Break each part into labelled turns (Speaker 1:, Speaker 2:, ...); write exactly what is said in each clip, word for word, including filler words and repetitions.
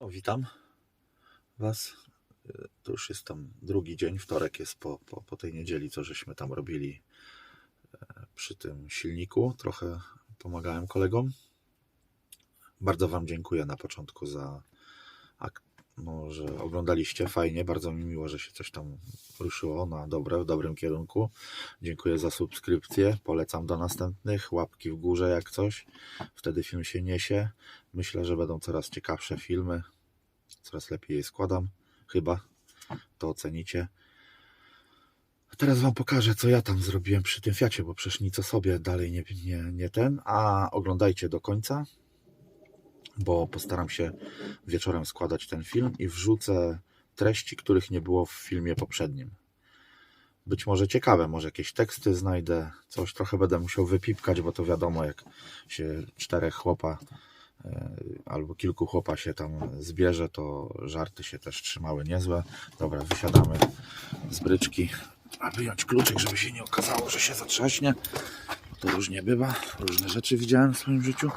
Speaker 1: O, witam Was. To już jest tam drugi dzień, wtorek jest po, po, po tej niedzieli, co żeśmy tam robili przy tym silniku. Trochę pomagałem kolegom. Bardzo Wam dziękuję na początku za no, że oglądaliście. Fajnie, bardzo mi miło, że się coś tam ruszyło na dobre, w dobrym kierunku. Dziękuję za subskrypcję. Polecam do następnych. Łapki w górze jak coś. Wtedy film się niesie. Myślę, że będą coraz ciekawsze filmy. Coraz lepiej je składam. Chyba. To ocenicie. A teraz Wam pokażę, co ja tam zrobiłem przy tym Fiacie, bo przecież nic o sobie dalej nie, nie, nie ten. A oglądajcie do końca, bo postaram się wieczorem składać ten film i wrzucę treści, których nie było w filmie poprzednim. Być może ciekawe, może jakieś teksty znajdę, coś trochę będę musiał wypipkać, bo to wiadomo, jak się czterech chłopa albo kilku chłopa się tam zbierze, to żarty się też trzymały niezłe. Dobra, wysiadamy z bryczki, a wyjąć kluczyk, żeby się nie okazało, że się zatrzaśnie. To różnie bywa, różne rzeczy widziałem w swoim życiu.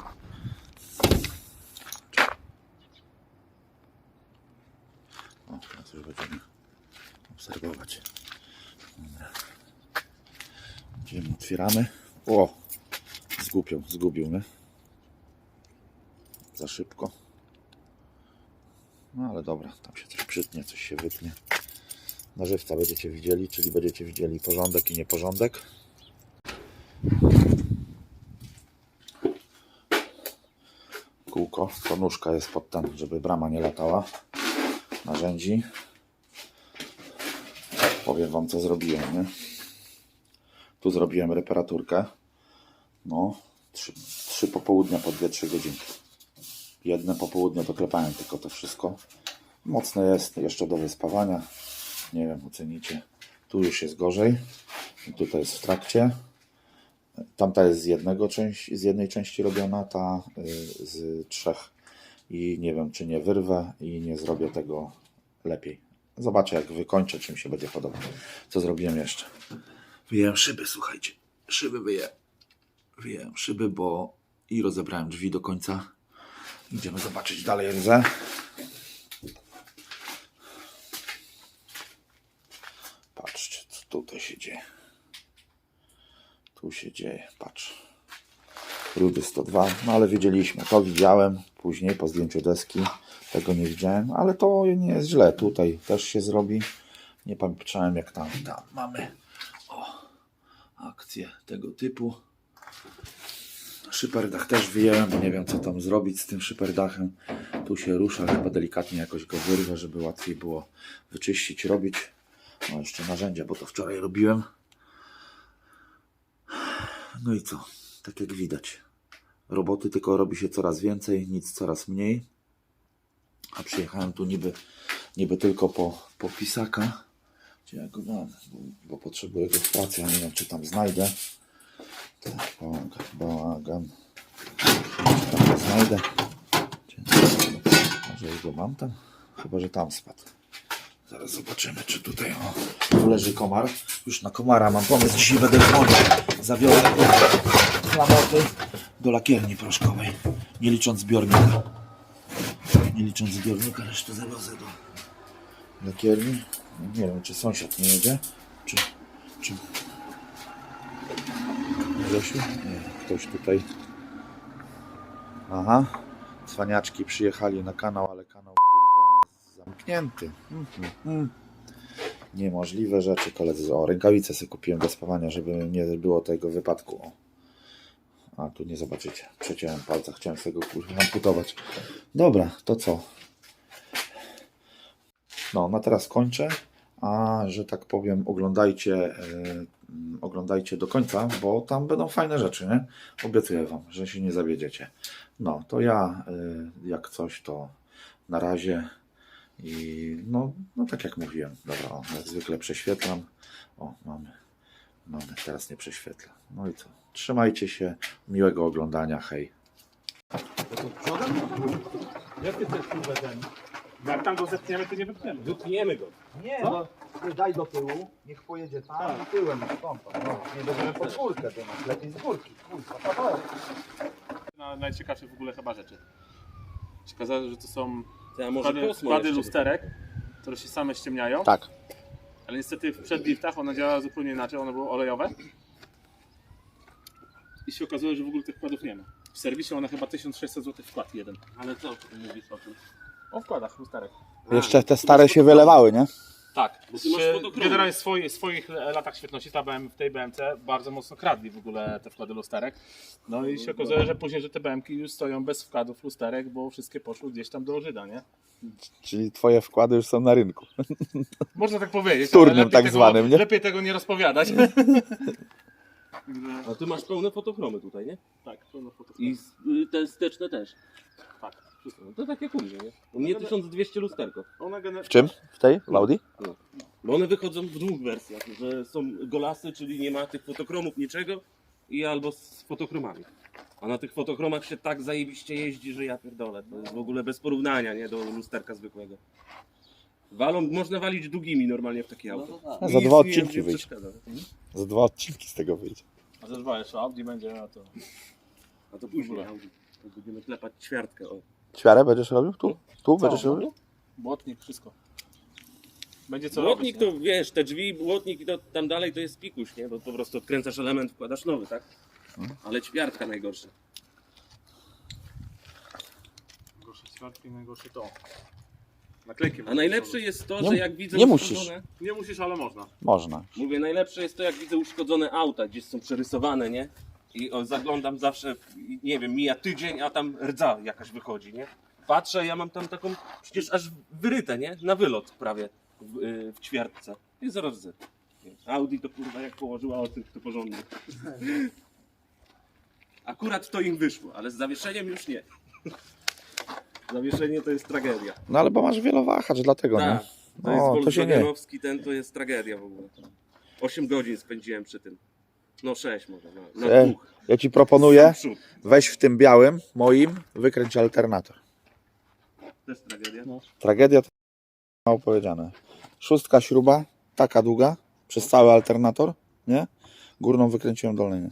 Speaker 1: O, teraz już będziemy obserwować. Dobra. Idziemy, otwieramy. O! Zgubił, zgubił, nie? Za szybko. No ale dobra, tam się coś przytnie, coś się wytnie. Nażywca będziecie widzieli, czyli będziecie widzieli porządek i nieporządek. Kółko, to nóżka jest pod ten, żeby brama nie latała. Narzędzi. Powiem Wam, co zrobiłem, nie? Tu zrobiłem reparaturkę. No, trzy, trzy popołudnia po dwie trzy godziny. Jedne popołudnie doklepałem tylko to wszystko. Mocne jest, jeszcze do wyspawania. Nie wiem, ocenicie. Tu już jest gorzej. I tutaj jest w trakcie. Tamta jest z jednego części, z jednej części robiona, ta z trzech. I nie wiem, czy nie wyrwę i nie zrobię tego lepiej. Zobaczę, jak wykończę, czym się będzie podobać. Co zrobiłem jeszcze? Wyjąłem szyby, słuchajcie. Szyby wyję. Wyjąłem szyby, bo i rozebrałem drzwi do końca. Idziemy zobaczyć dalej rzę. Patrzcie, co tutaj się dzieje. Tu się dzieje, patrz. Rudy sto dwa, no ale wiedzieliśmy. To widziałem później po zdjęciu deski. Tego nie widziałem, ale to nie jest źle. Tutaj też się zrobi. Nie pamiętałem, jak tam, tam mamy o, akcję tego typu. Szyperdach też wyjęłem, bo nie wiem, co tam zrobić z tym szyperdachem. Tu się rusza, chyba delikatnie jakoś go wyrwę, żeby łatwiej było wyczyścić, robić. No jeszcze narzędzia, bo to wczoraj robiłem. No i co? Tak jak widać. Roboty tylko robi się coraz więcej, nic coraz mniej. A przyjechałem tu niby, niby tylko po, po pisaka. Gdzie ja go mam? Bo, bo potrzebuję go w pracy, a nie wiem, czy tam znajdę. Tak, bałagan, bałagan. Czy tam go znajdę? Może już go mam tam? Chyba, że tam spadł. Zaraz zobaczymy, czy tutaj o, tu leży komar. Już na komara mam pomysł. Dzisiaj będę dzwonił. Zabiorę go klamoty do lakierni proszkowej. Nie licząc zbiornika. Nie licząc zbiornika, resztę zawiozę do lakierni. Nie wiem, czy sąsiad nie jedzie. Czy... czy... Grzesiu? Nie, ktoś tutaj. Aha. Cwaniaczki przyjechali na kanał, ale kanał kurwa zamknięty. Mm, mm, mm. Niemożliwe rzeczy, koledzy. O, rękawice sobie kupiłem do spawania, żeby nie było tego wypadku. O. A tu nie zobaczycie. Przeciąłem palca, chciałem sobie go kurwa amputować. Dobra, to co? No, na teraz kończę. A że tak powiem, oglądajcie, yy, oglądajcie do końca, bo tam będą fajne rzeczy, nie? Obiecuję Wam, że się nie zawiedziecie. No, to ja, yy, jak coś, to na razie i no, no tak jak mówiłem, dobra, o, jak zwykle prześwietlam. O, mamy, mamy, teraz nie prześwietla. No i co? Trzymajcie się, miłego oglądania, hej.
Speaker 2: Jak ty chcesz uwedzenie? Jak tam go zepniemy, to nie wypniemy. Wypniemy go.
Speaker 3: Nie, no daj do tyłu, niech pojedzie tam, tak. Tyłem stąd. No, nie będziemy pod górkę, to masz lepiej z górki. Kurwa, kawałek.
Speaker 2: Na najciekawsze w ogóle chyba rzeczy. Się okazało, że to są
Speaker 4: To ja może
Speaker 2: Wkłady,
Speaker 4: kosmo
Speaker 2: wkłady
Speaker 4: jeszcze.
Speaker 2: lusterek, które się same ściemniają.
Speaker 1: Tak.
Speaker 2: Ale niestety w przedliftach one działały zupełnie inaczej, one były olejowe. I się okazało, że w ogóle tych wkładów nie ma. W serwisie one chyba tysiąc sześćset złotych wkład jeden.
Speaker 4: Ale co ty mówisz o tym?
Speaker 2: O wkładach lusterek.
Speaker 1: Jeszcze te stare się wylewały, nie?
Speaker 2: Tak,
Speaker 4: Bo ty masz
Speaker 2: Czy
Speaker 4: fotochromy.
Speaker 2: generalnie w swoich, swoich latach świetności ta B M, w tej B M C bardzo mocno kradli w ogóle te wkłady lusterek. No i się okazuje, że później, że te B M ki już stoją bez wkładów lusterek, bo wszystkie poszły gdzieś tam do Żyda, nie?
Speaker 1: Czyli twoje wkłady już są na rynku.
Speaker 2: Można tak powiedzieć,
Speaker 1: Wtórnym
Speaker 2: ale lepiej
Speaker 1: tak
Speaker 2: tego,
Speaker 1: zwanym, nie?
Speaker 2: lepiej tego nie rozpowiadać.
Speaker 4: A ty masz pełne fotochromy tutaj, nie?
Speaker 2: Tak, pełno fotów.
Speaker 4: I s- y, te wsteczne też.
Speaker 2: Tak, wszystko.
Speaker 4: No to tak jak u mnie, nie? U mnie tysiąc dwieście lusterko.
Speaker 2: One gener-
Speaker 1: W czym? W tej? W Audi?
Speaker 4: Bo one wychodzą w dwóch wersjach, że są golasy, czyli nie ma tych fotochromów, niczego i albo z fotochromami. A na tych fotochromach się tak zajebiście jeździ, że ja pierdolę. To jest w ogóle bez porównania, nie? Do lusterka zwykłego. Walą, można walić długimi normalnie w takie auto.
Speaker 1: A za
Speaker 4: Nic
Speaker 1: dwa
Speaker 4: mi
Speaker 1: odcinki
Speaker 4: nie
Speaker 1: wyjdzie.
Speaker 4: przeszkadza.
Speaker 1: Za dwa odcinki z tego wyjdzie.
Speaker 2: A ze dwa jeszcze Audi będzie, a to...
Speaker 4: A to później Audi. To będziemy klepać ćwiartkę. O.
Speaker 1: Ćwiarę będziesz robił? Tu? Tu będziesz
Speaker 2: Co?
Speaker 1: robił?
Speaker 2: Błotnik, wszystko. Będzie co
Speaker 4: Błotnik
Speaker 2: robić,
Speaker 4: to wiesz, te drzwi, błotnik i to tam dalej to jest pikuś, nie? Bo po prostu odkręcasz element, wkładasz nowy, tak? Ale ćwiartka najgorsza.
Speaker 2: nie? Gorsze ćwiartki, najgorsze to. Naklejki.
Speaker 4: A najlepsze jest to,
Speaker 1: Nie-
Speaker 4: że jak widzę
Speaker 1: nie musisz.
Speaker 4: uszkodzone...
Speaker 2: Nie musisz, ale można.
Speaker 1: Można.
Speaker 4: Mówię, najlepsze jest to, jak widzę uszkodzone auta, gdzieś są przerysowane, nie? I o, zaglądam zawsze, i nie wiem, mija tydzień, a tam rdza jakaś wychodzi, nie? Patrzę, ja mam tam taką, przecież aż wyryte, nie? Na wylot prawie w, y, w ćwiartce. I zaraz rdzy. Audi to kurwa jak położyła o tym, to porządnie. Akurat to im wyszło, ale z zawieszeniem już nie. Zawieszenie to jest tragedia.
Speaker 1: No ale bo masz wielowahacz, dlatego nie?
Speaker 4: Tak, to jest
Speaker 1: O, to się nie.
Speaker 4: Volkswagenowski, ten to jest tragedia w ogóle. osiem godzin spędziłem przy tym. No sześć może, na, na
Speaker 1: E,
Speaker 4: dwóch.
Speaker 1: Ja ci proponuję,
Speaker 4: Sam przód.
Speaker 1: weź w tym białym, moim, wykręć alternator.
Speaker 4: Też tragedia.
Speaker 1: Tragedia to mało powiedziane. Szóstka śruba, taka długa, przez cały alternator, nie? Górną wykręciłem, dolnej nie.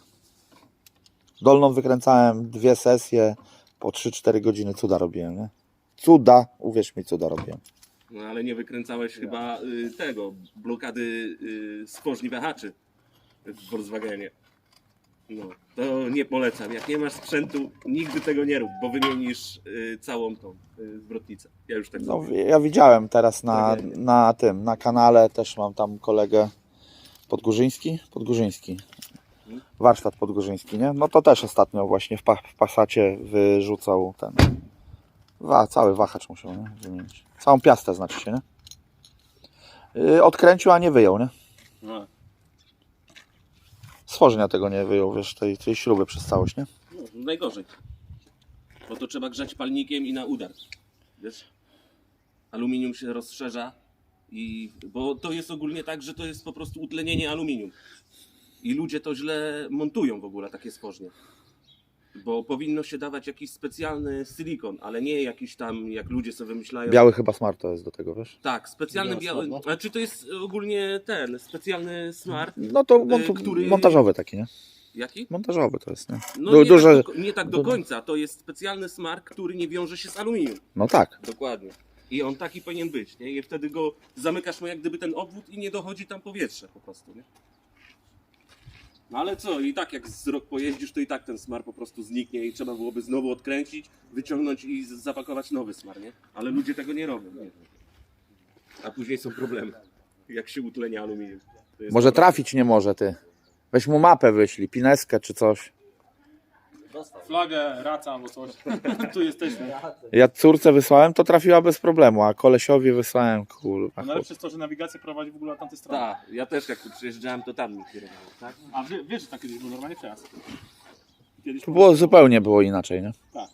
Speaker 1: Dolną wykręcałem dwie sesje, po trzy cztery godziny cuda robiłem, nie? Cuda, uwierz mi, cuda robiłem.
Speaker 4: No ale nie wykręcałeś chyba y, tego, blokady y, skożni wahaczy w Volkswagenie. No, to nie polecam. Jak nie masz sprzętu, nigdy tego nie rób, bo wymienisz y, całą tą y, zwrotnicę. Ja już tak
Speaker 1: No,
Speaker 4: zrobiłem.
Speaker 1: ja widziałem teraz na,
Speaker 4: Tragedia.
Speaker 1: na tym, na kanale, też mam tam kolegę Podgórzyński, Podgórzyński, warsztat Podgórzyński, nie? No to też ostatnio właśnie w, pa, w Passacie wyrzucał ten, wa, cały wahacz musiał, nie? Wymienić. Całą piastę znaczy się, nie? Yy, odkręcił, a nie wyjął, nie?
Speaker 4: No,
Speaker 1: Stworzenia tego nie wyjął, wiesz, tej, tej śruby przez całość, nie?
Speaker 4: no, najgorzej. Bo to trzeba grzać palnikiem i na udar. Wiesz? Aluminium się rozszerza i bo to jest ogólnie tak, że to jest po prostu utlenienie aluminium. I ludzie to źle montują w ogóle takie stworzenie. Bo powinno się dawać jakiś specjalny silikon, ale nie jakiś tam, jak ludzie sobie wymyślają.
Speaker 1: Biały chyba smart to jest do tego, wiesz?
Speaker 4: Tak, specjalny
Speaker 2: Biały
Speaker 4: biały.
Speaker 2: smar,
Speaker 4: Znaczy to jest ogólnie ten specjalny smar.
Speaker 1: No to montu,
Speaker 4: który-
Speaker 1: montażowy taki, nie?
Speaker 4: Jaki?
Speaker 1: Montażowy to jest, nie?
Speaker 4: No
Speaker 1: Du-
Speaker 4: nie,
Speaker 1: duże,
Speaker 4: tak do, nie tak do
Speaker 1: du-
Speaker 4: końca. To jest specjalny smar, który nie wiąże się z aluminium.
Speaker 1: no tak.
Speaker 4: Dokładnie. I on taki powinien być, nie? I wtedy go zamykasz mu jak gdyby ten obwód i nie dochodzi tam powietrze po prostu, nie? No ale co, i tak jak z rok pojeździsz, to i tak ten smar po prostu zniknie i trzeba byłoby znowu odkręcić, wyciągnąć i z- zapakować nowy smar, nie? Ale ludzie tego nie robią, nie? A później są problemy, jak się utlenia aluminium. To jest
Speaker 1: Może
Speaker 4: problem.
Speaker 1: trafić nie może, ty. Weź mu mapę wyślij, pineskę czy coś.
Speaker 2: Flagę, raca albo coś. Tu jesteśmy.
Speaker 1: Ja córce wysłałem, to trafiła bez problemu, a kolesiowi wysłałem, kurwa.
Speaker 2: A najlepsze jest to, że nawigacja prowadzi w ogóle na tamtej stronie.
Speaker 4: Tak, ja też jak tu przyjeżdżałem, to tam mi kierowało, tak?
Speaker 2: A wie, wiesz, że tak kiedyś był normalnie przejazd. Kiedyś
Speaker 1: To było zupełnie było inaczej, nie?
Speaker 2: Tak.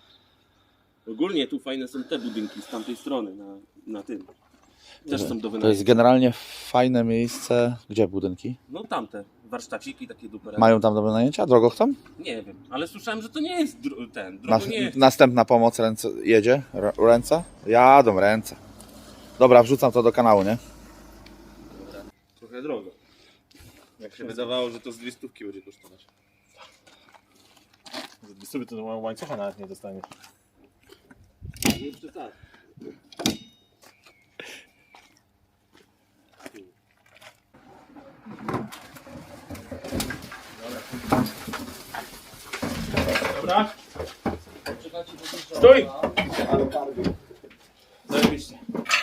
Speaker 4: Ogólnie tu fajne są te budynki z tamtej strony, na, na tym. Też są do
Speaker 1: To
Speaker 4: wynajęcia.
Speaker 1: jest generalnie fajne miejsce. Gdzie budynki?
Speaker 4: No tamte, warsztaciki takie dupery.
Speaker 1: Mają tam do wynajęcia? Drogo chcą?
Speaker 4: Nie wiem, ale słyszałem, że to nie jest dro- ten,
Speaker 1: Nas,
Speaker 4: drogo nie jest.
Speaker 1: następna pomoc ręce, jedzie? R- ręce? Jadą ręce. Dobra, wrzucam to do kanału, nie?
Speaker 4: Trochę drogo. Jak się wydawało, że to z dwie stówki będzie kosztować.
Speaker 2: Za dwie sobie to łańcucha nawet nie dostanie.
Speaker 4: Nie przesadzaj.
Speaker 2: Dobra. Stój! Zajebiście.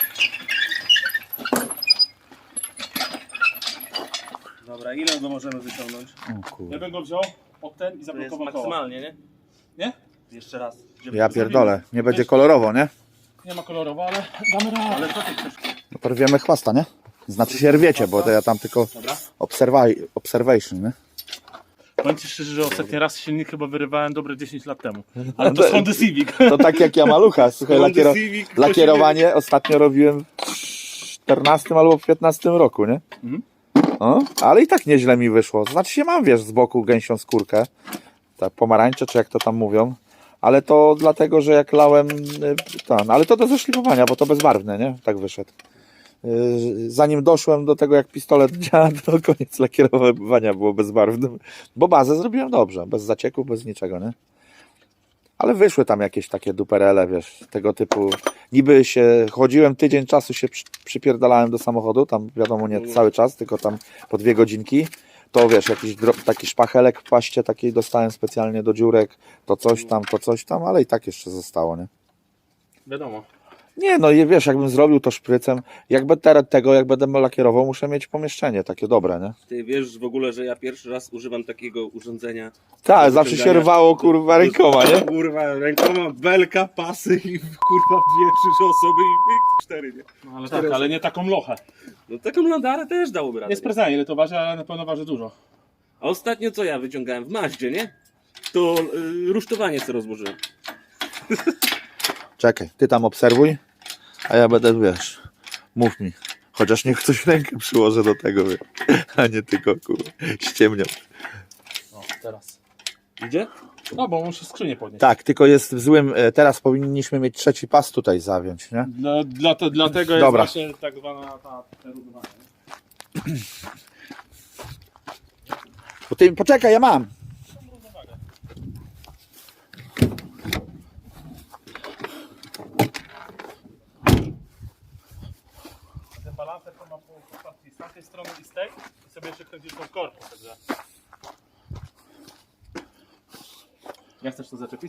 Speaker 4: Dobra, ile go możemy wyciągnąć?
Speaker 1: O
Speaker 2: Ja
Speaker 1: kurde.
Speaker 2: bym go wziął pod ten i
Speaker 4: To jest
Speaker 2: zablokował koło.
Speaker 4: maksymalnie, nie?
Speaker 2: Nie?
Speaker 4: Jeszcze raz. Żeby
Speaker 1: Ja pierdolę, nie będzie kolorowo, nie?
Speaker 2: Nie ma kolorowo, ale damy radę.
Speaker 4: Ale co ty chcesz?
Speaker 1: No to rwiemy chwasta, nie? Znaczy się rwiecie, bo to ja tam tylko
Speaker 2: Dobra.
Speaker 1: obserwaj, observation, nie?
Speaker 2: Powiem ci szczerze, że ostatni raz silnik chyba wyrywałem dobre dziesięć lat temu. Ale to z Hondy Civic.
Speaker 1: To tak jak ja malucha, słuchaj,
Speaker 4: Honda
Speaker 1: lakiero,
Speaker 4: Civic,
Speaker 1: lakierowanie ostatnio robiłem w czternastym albo w piętnastym roku, nie?
Speaker 2: Mhm.
Speaker 1: No, ale i tak nieźle mi wyszło. Znaczy się mam, wiesz, z boku gęsią skórkę, tak pomarańcze, czy jak to tam mówią, ale to dlatego, że jak lałem, y, ten, ale to do zeszlifowania, bo to bezbarwne, nie? Tak wyszedł. Y, Zanim doszłem do tego, jak pistolet działa, to koniec lakierowania było bezbarwnym, bo bazę zrobiłem dobrze, bez zacieku, bez niczego, nie? Ale wyszły tam jakieś takie duperele, wiesz, tego typu. Niby się, chodziłem tydzień czasu, się przy, przypierdalałem do samochodu, tam wiadomo nie cały czas, tylko tam po dwie godzinki. To wiesz, jakiś dro, taki szpachelek w paście takiej dostałem specjalnie do dziurek, to coś tam, to coś tam, ale i tak jeszcze zostało, nie?
Speaker 2: Wiadomo.
Speaker 1: Nie, no i wiesz, jakbym zrobił to szprycem, jakby teraz tego, jak będę lakierował, muszę mieć pomieszczenie takie dobre, nie?
Speaker 4: Ty wiesz w ogóle, że ja pierwszy raz używam takiego urządzenia.
Speaker 1: Tak,
Speaker 4: do
Speaker 1: zawsze się
Speaker 4: wyciągania-
Speaker 1: rwało, kurwa, rękoma, nie?
Speaker 4: Kurwa, rękoma, belka, pasy i kurwa dwie, trzy osoby i cztery, nie?
Speaker 2: No, ale tak, ale nie taką lochę.
Speaker 4: No taką landarę też dałoby radę.
Speaker 2: Nie sprawdzałem ile to waży, ale na pewno waży dużo.
Speaker 4: A ostatnio co ja wyciągałem w Maździe, nie? To y, rusztowanie sobie rozłożyłem.
Speaker 1: Czekaj, ty tam obserwuj, a ja będę, wiesz, mów mi. Chociaż niech ktoś rękę przyłoży do tego, wiesz, a nie tylko, kurwa, ściemniał.
Speaker 2: No, teraz.
Speaker 4: Idzie?
Speaker 2: No, bo muszę skrzynię podnieść.
Speaker 1: Tak, tylko jest w złym, e, teraz powinniśmy mieć trzeci pas tutaj zawiąć, nie?
Speaker 2: Dla, dla to, dlatego jest
Speaker 1: Dobra.
Speaker 2: właśnie tak zwana ta przerównanie.
Speaker 1: Bo ty, poczekaj, ja mam.
Speaker 2: Ten balancer to ma po postaci z tamtej strony i z tej i sobie jeszcze kręcisz tą korpą. Także... Jak chcesz to zaczepić?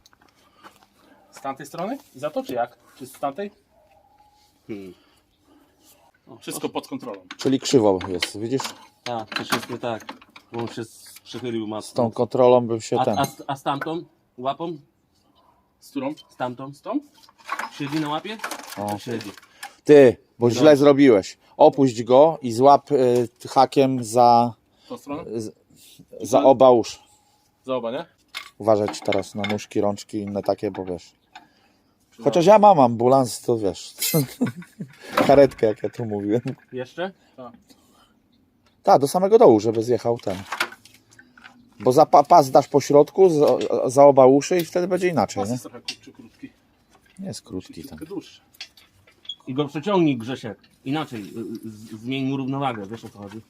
Speaker 2: Z tamtej strony? I za to czy jak? Czy z tamtej?
Speaker 4: Hmm.
Speaker 2: Wszystko pod kontrolą.
Speaker 1: Czyli krzywo jest, widzisz?
Speaker 4: Tak, coś jest nie tak. Bo on się przychylił
Speaker 1: Z
Speaker 4: mocno.
Speaker 1: tą kontrolą bym się
Speaker 4: A,
Speaker 1: ten...
Speaker 4: a, a z tamtą łapą?
Speaker 2: Z którą?
Speaker 4: Z tamtą?
Speaker 2: Z tą?
Speaker 4: Siedzi na łapie?
Speaker 1: O.
Speaker 4: Siedzi.
Speaker 1: Ty, bo źle zrobiłeś. Opuść go i złap y, hakiem za,
Speaker 2: Tą stronę?
Speaker 1: z, za oba usz.
Speaker 2: Za oba, nie?
Speaker 1: Uważać teraz na nóżki, rączki, inne takie, bo wiesz. Chociaż ja mam ambulans, to wiesz. Karetkę, jak ja tu mówiłem.
Speaker 4: Jeszcze?
Speaker 1: Tak, do samego dołu, żeby zjechał ten. Bo za pa, pas dasz po środku, za, za oba uszy i wtedy będzie inaczej,
Speaker 2: Pas
Speaker 1: nie?
Speaker 2: jest trochę kurczy, krótki.
Speaker 1: Nie jest krótki ten.
Speaker 2: Trochę dłuższy.
Speaker 4: I go przeciągnij, Grzesiek. Inaczej, y, z- zmień mu równowagę, wiesz o co chodzi.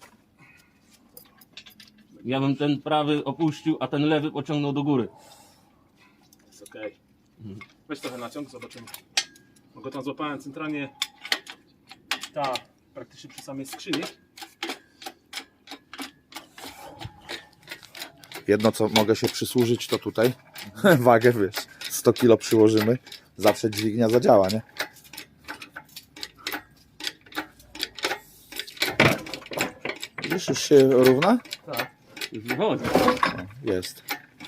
Speaker 4: Ja bym ten prawy opuścił, a ten lewy pociągnął do góry.
Speaker 2: Jest okej. Weź trochę naciąg, zobaczymy. Bo go tam złapałem centralnie ta, praktycznie przy samej skrzyni.
Speaker 1: Jedno, co mogę się przysłużyć, to tutaj wagę, wiesz, sto kilo przyłożymy. Zawsze dźwignia zadziała, nie? Widzisz, już się równa?
Speaker 2: Tak.
Speaker 4: Już wychodzi.
Speaker 1: Jest.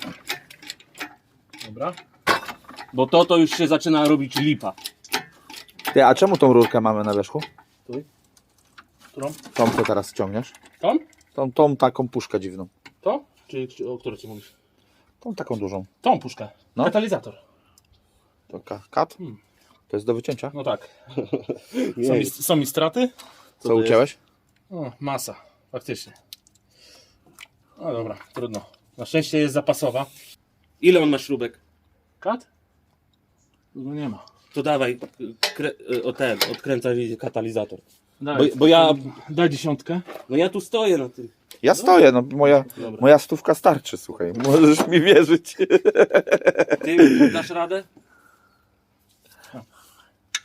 Speaker 2: Dobra.
Speaker 4: Bo to to już się zaczyna robić lipa.
Speaker 1: Ty, a czemu tą rurkę mamy na wierzchu?
Speaker 2: Którą?
Speaker 1: Tą, co teraz ciągniesz?
Speaker 2: Tą?
Speaker 1: Tą, tą taką puszkę dziwną.
Speaker 2: To? Czy, czy o której ci mówisz?
Speaker 1: Tą taką dużą.
Speaker 2: Tą puszkę.
Speaker 1: No.
Speaker 2: Katalizator.
Speaker 1: To ka- kat?
Speaker 2: Hmm.
Speaker 1: To jest do wycięcia?
Speaker 2: No tak. Są mi, są mi straty?
Speaker 1: Co
Speaker 4: to
Speaker 1: ucięłeś?
Speaker 2: O, masa. Faktycznie. No dobra, trudno. Na szczęście jest zapasowa.
Speaker 4: Ile on ma śrubek?
Speaker 2: Kat? No nie ma.
Speaker 4: To dawaj, kre, o ten, odkręcaj katalizator.
Speaker 2: Daj,
Speaker 4: Bo, bo ja,
Speaker 2: daj dziesiątkę.
Speaker 4: no ja tu stoję na tym.
Speaker 1: Ja stoję, no moja,
Speaker 2: Dobra.
Speaker 1: moja stówka starczy, słuchaj. Możesz mi wierzyć.
Speaker 4: Ty dasz radę?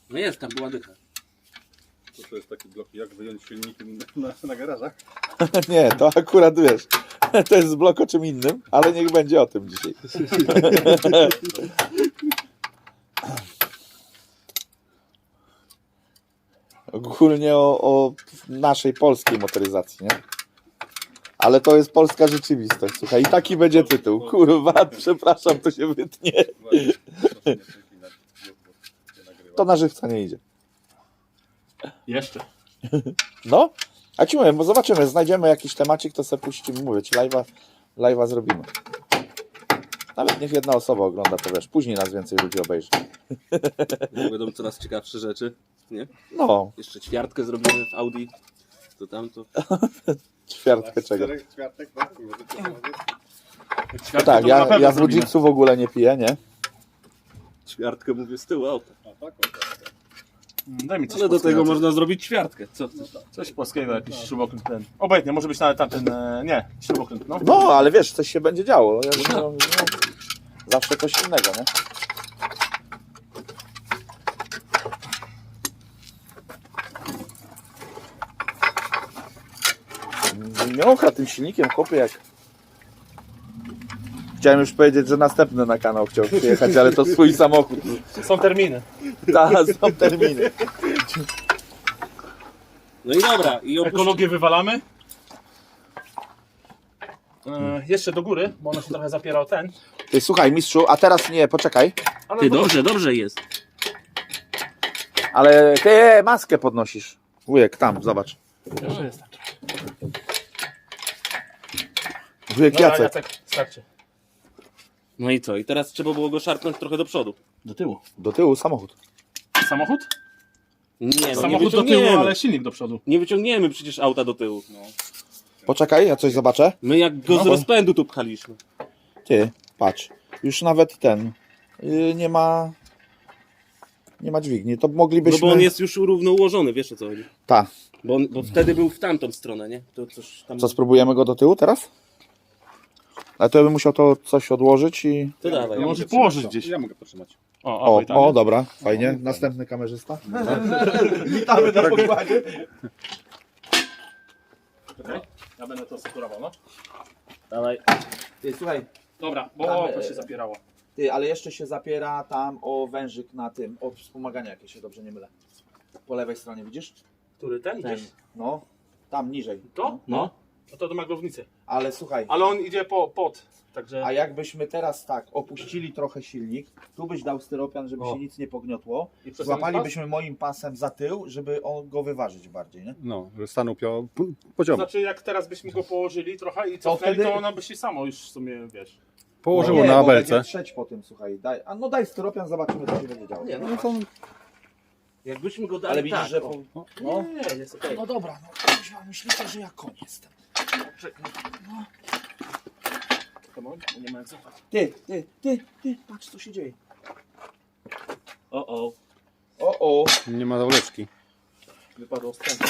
Speaker 4: No jest, tam była dycha.
Speaker 5: To, to jest taki blok, jak wyjąć silniki na, na, na garażach.
Speaker 1: Nie, to akurat wiesz, to jest blok o czym innym, ale niech będzie o tym dzisiaj. Ogólnie o, o naszej polskiej motoryzacji, nie? Ale to jest polska rzeczywistość, słuchaj, i taki będzie tytuł. Kurwa, przepraszam, to się wytnie.
Speaker 5: Właśnie, proszę nie przeklinać, bo się nagrywa.
Speaker 1: To na żywca nie idzie.
Speaker 2: Jeszcze.
Speaker 1: No, a ci mówię, bo zobaczymy, znajdziemy jakiś temacik, to sobie puścimy, mówię ci, live'a, live'a zrobimy. Nawet niech jedna osoba ogląda, to wiesz, później nas więcej ludzi obejrzy.
Speaker 4: Będą coraz ciekawsze rzeczy, nie?
Speaker 1: No,
Speaker 4: Jeszcze ćwiartkę zrobimy w Audi. To tamto.
Speaker 1: ćwiartkę czego.
Speaker 5: Czterech ćwiartek, tak? Możecie powiedzieć?
Speaker 1: No tak, ja, ja w Ludzicku w ogóle nie piję, nie?
Speaker 4: Ćwiartkę mówię z tyłu auta.
Speaker 5: A tak, o, tak.
Speaker 2: Daj mi coś
Speaker 4: Ale do
Speaker 2: polskiego,
Speaker 4: tego
Speaker 2: coś-
Speaker 4: można zrobić ćwiartkę. Co?
Speaker 2: Coś polskiego, jakiś śrubokręt ten. Obojętnie, może być nawet tamten, e, nie, śrubokręt, no.
Speaker 1: No, ale wiesz, coś się będzie działo. Ja, no, no, zawsze coś innego, nie? Miącha tym silnikiem, chłopie, jak... Chciałem już powiedzieć, że następny na kanał chciał przyjechać, ale to swój samochód.
Speaker 2: Są terminy.
Speaker 1: Ta, są terminy.
Speaker 4: No i dobra. I opuści...
Speaker 2: Ekologię wywalamy. E, jeszcze do góry, bo ona się trochę zapiera o ten.
Speaker 1: Ty, słuchaj, mistrzu, a teraz nie, poczekaj.
Speaker 2: Ale
Speaker 4: Ty,
Speaker 2: do-
Speaker 4: dobrze, dobrze jest.
Speaker 1: Ale ty maskę podnosisz. Wujek, tam, zobacz.
Speaker 2: Jeszcze jest tak.
Speaker 1: Wujek
Speaker 2: Dobra,
Speaker 1: Jacek.
Speaker 2: Jacek, starczy.
Speaker 4: No i co? I teraz trzeba było go szarpnąć trochę do przodu.
Speaker 2: Do tyłu.
Speaker 1: Do tyłu samochód.
Speaker 2: Samochód?
Speaker 4: Nie, no nie
Speaker 2: Samochód do tyłu,
Speaker 4: wyciągniemy.
Speaker 2: ale silnik do przodu.
Speaker 4: Nie wyciągniemy przecież auta do tyłu.
Speaker 1: Poczekaj, ja coś zobaczę.
Speaker 4: My jak go
Speaker 1: No
Speaker 4: z
Speaker 1: bo-
Speaker 4: rozpędu tu pchaliśmy.
Speaker 1: Ty, patrz. Już nawet ten. Yy, nie ma. Nie ma dźwigni. To
Speaker 4: No
Speaker 1: moglibyśmy.
Speaker 4: bo on jest już równo ułożony, wiesz o co chodzi.
Speaker 1: Ta.
Speaker 4: Bo, on, bo wtedy był w tamtą stronę, nie? To coś tam...
Speaker 1: Co, spróbujemy go do tyłu teraz? Ale to ja bym musiał to coś odłożyć i.
Speaker 4: To dawaj.
Speaker 2: Ja może
Speaker 5: mogę
Speaker 2: położyć
Speaker 5: trzymać,
Speaker 2: gdzieś.
Speaker 5: Ja mogę potrzymać.
Speaker 2: O,
Speaker 1: O,
Speaker 2: obaj tam,
Speaker 1: o
Speaker 2: nie?
Speaker 1: dobra, fajnie. Następny kamerzysta. Witamy na pokładzie.
Speaker 2: Czekaj, ja będę to sekurował, no.
Speaker 4: Dawaj.
Speaker 1: Ty, słuchaj,
Speaker 2: Dobra, bo
Speaker 1: Tam,
Speaker 2: to
Speaker 1: e,
Speaker 2: się zapierało.
Speaker 1: ty, ale jeszcze się zapiera tam o wężyk na tym, od wspomagania, jak się dobrze nie mylę. Po lewej stronie, widzisz?
Speaker 2: Który ten
Speaker 1: Ten.
Speaker 2: idziesz?
Speaker 1: No, tam niżej.
Speaker 2: To?
Speaker 1: No.
Speaker 2: No to do maglownicy.
Speaker 1: Ale słuchaj.
Speaker 2: Ale on idzie po, pod, także...
Speaker 1: A jakbyśmy teraz tak opuścili trochę silnik, tu byś dał styropian, żeby
Speaker 2: O.
Speaker 1: się nic nie pogniotło,
Speaker 2: I przez
Speaker 1: złapalibyśmy moim pasem za tył, żeby on go wyważyć bardziej, nie?
Speaker 5: No, że stanął pio... p-
Speaker 2: To
Speaker 5: poziomo.
Speaker 2: znaczy jak teraz byśmy go położyli trochę i cofnęli,
Speaker 1: wtedy-
Speaker 2: to ona by się samo już w sumie, wiesz...
Speaker 5: Położyło
Speaker 1: No nie,
Speaker 5: na
Speaker 1: bo będzie
Speaker 5: belce.
Speaker 1: trzeć po tym, słuchaj. Daj, a no daj styropian, zobaczymy, co się będzie działo.
Speaker 4: Nie, no,
Speaker 5: No to
Speaker 4: jakbyśmy go dali
Speaker 1: Ale widzisz,
Speaker 4: tak,
Speaker 1: że...
Speaker 4: o.
Speaker 1: Po... No.
Speaker 2: Nie, jest okej.
Speaker 1: No dobra, no kuźwa, myślicie, że ja koń jestem.
Speaker 2: Come on, bo nie ma jak złapać.
Speaker 1: Ty, ty, ty, ty, patrz co się dzieje.
Speaker 4: O, o.
Speaker 1: O, o.
Speaker 5: nie ma zawleczki.
Speaker 2: Wypadło wstępnie.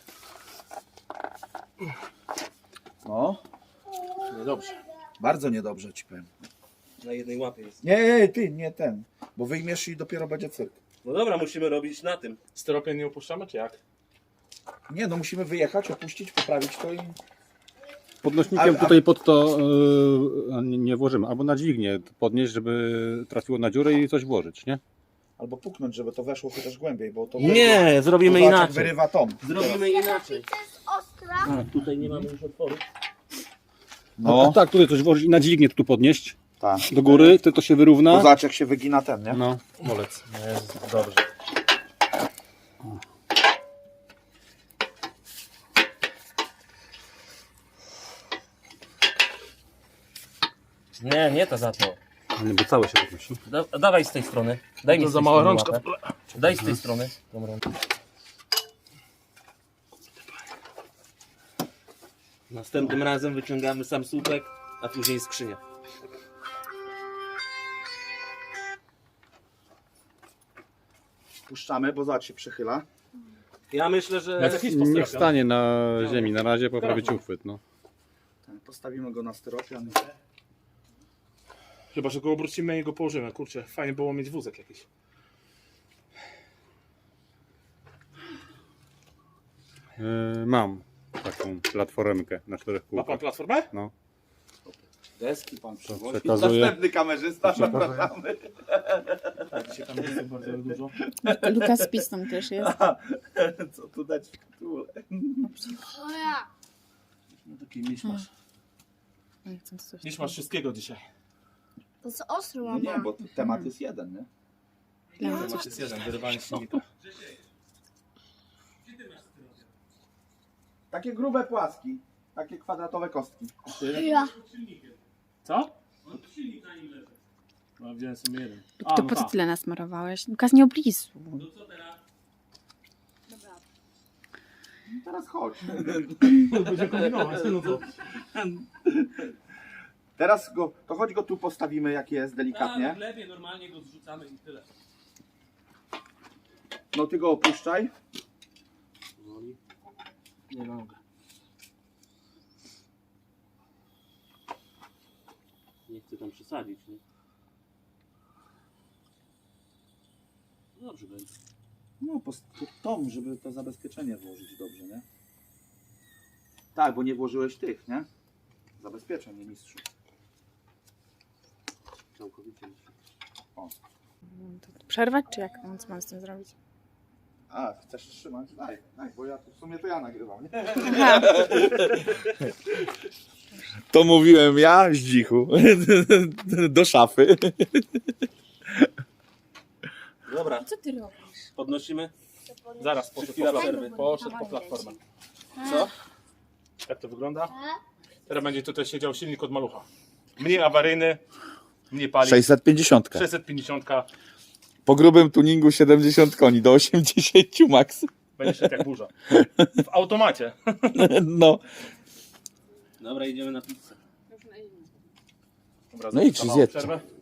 Speaker 1: No,
Speaker 2: Niedobrze.
Speaker 1: bardzo niedobrze ci powiem.
Speaker 4: Na jednej łapie jest.
Speaker 1: Nie, nie, ty, nie ten. Bo wyjmiesz i dopiero będzie cyrk.
Speaker 4: No dobra, musimy robić na tym.
Speaker 2: Styropian nie opuszczamy, czy jak?
Speaker 1: Nie, no musimy wyjechać, opuścić, poprawić to i...
Speaker 5: Podnośnikiem
Speaker 1: Ale- a-
Speaker 5: tutaj pod to yy, nie, nie włożymy. Albo na dźwignię podnieść, żeby trafiło na dziurę i coś włożyć, nie?
Speaker 1: Albo puknąć, żeby to weszło chociaż głębiej, bo to...
Speaker 4: Nie, zrobimy
Speaker 1: Zobacz, jak
Speaker 4: inaczej.
Speaker 1: wyrywa tom.
Speaker 4: Zrobimy inaczej.
Speaker 6: To jest ostra.
Speaker 4: A, tutaj nie mamy już otworu.
Speaker 5: No. Tak, tutaj coś włożyć i na dźwignię tu podnieść
Speaker 1: tak.
Speaker 5: do góry, to to się wyrówna.
Speaker 1: Bo zobacz jak się wygina ten, nie?
Speaker 5: No.
Speaker 2: Bolec. Jest dobrze.
Speaker 4: Nie, nie to za to.
Speaker 5: Nie, bo całe się podnosi.
Speaker 4: Da, dawaj z tej strony. Daj mi
Speaker 2: To
Speaker 4: z
Speaker 2: za
Speaker 4: tej
Speaker 2: mała
Speaker 4: strony
Speaker 2: rączka.
Speaker 4: łapę. Daj z tej strony. Tą rączkę. Następnym razem wyciągamy sam słupek, a później skrzynię.
Speaker 1: Puszczamy, bo zobacz się przechyla.
Speaker 4: Ja myślę, że...
Speaker 2: Jacek, idź po
Speaker 5: Niech
Speaker 2: styropian.
Speaker 5: stanie na ziemi na razie, poprawić uchwyt. No.
Speaker 1: Tak, postawimy go na styropian.
Speaker 2: Chyba, że go obrócimy i go położymy. Kurczę, fajnie było mieć wózek jakiś.
Speaker 5: Yy, mam taką platformkę na czterech
Speaker 2: Ma
Speaker 5: kółkach.
Speaker 2: pan platformę?
Speaker 5: No.
Speaker 3: Deski pan przywozi.
Speaker 5: przekazuję.
Speaker 3: Następny kamerzysta, zapraszamy.
Speaker 2: Tak, dzisiaj tam jest bardzo dużo.
Speaker 6: Lukas Pis tam też jest.
Speaker 3: Co tu dać w tytule?
Speaker 2: No taki miszmasz.
Speaker 6: Nie chcę coś
Speaker 2: Miszmasz wszystkiego dzisiaj.
Speaker 7: To jest ostry,
Speaker 3: No
Speaker 7: mama.
Speaker 3: nie, bo temat jest jeden, nie?
Speaker 6: tam-
Speaker 2: Temat jest jeden, wyrywanie silnika.
Speaker 3: Takie grube płaski, takie kwadratowe kostki.
Speaker 7: Ja.
Speaker 2: Co? No, wziąłem sobie jeden.
Speaker 6: To
Speaker 2: A, no
Speaker 6: po co
Speaker 2: tak.
Speaker 6: tyle nasmarowałeś? Lukas, nie oblizuj.
Speaker 3: Teraz chodź.
Speaker 2: Będzie kombinować, no co?
Speaker 3: Teraz go, to chodź go tu postawimy jak jest, delikatnie.
Speaker 4: w lewie normalnie go zrzucamy i tyle.
Speaker 3: No ty go opuszczaj.
Speaker 2: Nie mogę.
Speaker 4: Nie chcę tam przesadzić, nie? Dobrze będzie.
Speaker 3: No, po po tom, żeby to zabezpieczenie włożyć dobrze, nie? Tak, bo nie włożyłeś tych, nie? Zabezpieczeń, nie mistrzu.
Speaker 4: Całkowicie.
Speaker 6: Przerwać, czy jak? No, co mam z tym zrobić?
Speaker 3: A, chcesz trzymać? Daj, daj, bo ja w sumie to ja nagrywam, nie?
Speaker 6: Aha.
Speaker 1: To mówiłem ja, Zdzichu, do szafy.
Speaker 4: Dobra,
Speaker 6: Co ty robisz?
Speaker 4: podnosimy.
Speaker 2: Zaraz, poszedł
Speaker 4: Chwila
Speaker 2: po,
Speaker 4: przerwy.
Speaker 2: poszedł po platformę.
Speaker 4: Co?
Speaker 2: Jak to wygląda? Teraz będzie tutaj siedział silnik od malucha. Mniej awaryjny, mniej pali.
Speaker 1: sześćset pięćdziesiąt.
Speaker 2: sześćset pięćdziesiąt
Speaker 1: Po grubym tuningu siedemdziesiąt koni do osiemdziesiąt max.
Speaker 2: będzie szedł jak burza. W automacie.
Speaker 1: No.
Speaker 4: Dobra, idziemy na pizzę.
Speaker 2: Dobra,
Speaker 1: No idź,
Speaker 2: za małą
Speaker 1: zjedźcie.
Speaker 2: przerwę.